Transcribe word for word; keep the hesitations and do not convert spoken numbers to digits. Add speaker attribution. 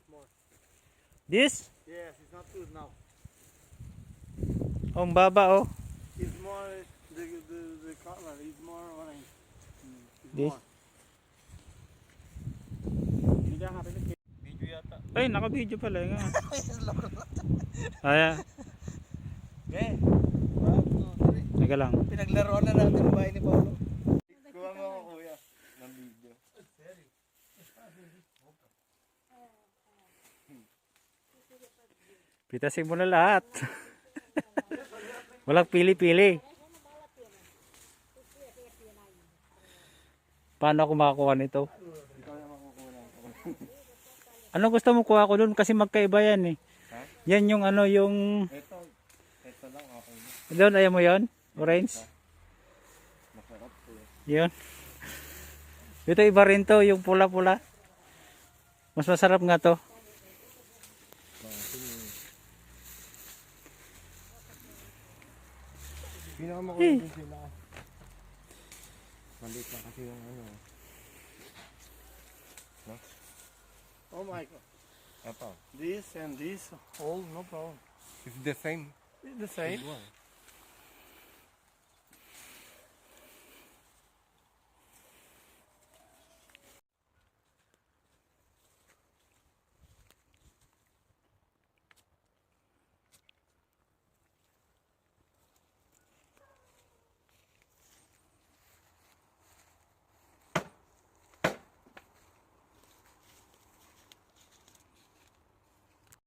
Speaker 1: more.
Speaker 2: This?
Speaker 1: Yes, it's not good now.
Speaker 2: Oh, ang baba oh.
Speaker 1: It's more, the, the, the color is more orange. It's
Speaker 2: This?
Speaker 1: more. Hindi ka happy with video yata.
Speaker 2: Ay, naka-video pala nga. Ayan.
Speaker 1: Okay. One, two, three.
Speaker 2: Teka lang.
Speaker 1: Pinaglaruan na natin ang bahay ni Paolo. Kuha mo ako kuya ng video.
Speaker 2: Pitasin mo na lahat. Walang pili-pili. Paano ako makakuha nito?
Speaker 1: Ikaw na makukuha ako.
Speaker 2: Ano gusto mo kuha ko doon? Kasi magkaiba yan eh.
Speaker 1: Ha?
Speaker 2: Yan yung ano yung...
Speaker 1: Ito. Ito lang okay na.
Speaker 2: Doon, ayaw mo yon? Orange?
Speaker 1: Masarap po eh.
Speaker 2: Yun. Ito iba rin to, yung pula-pula. Mas masarap nga to.
Speaker 1: Pinakamakulit din sila. Maliit lang kasi yung ano. No? Oh my god.
Speaker 3: Apa?
Speaker 1: This and this, all no problem.
Speaker 3: It's the same.
Speaker 1: It's the same.
Speaker 3: Igual.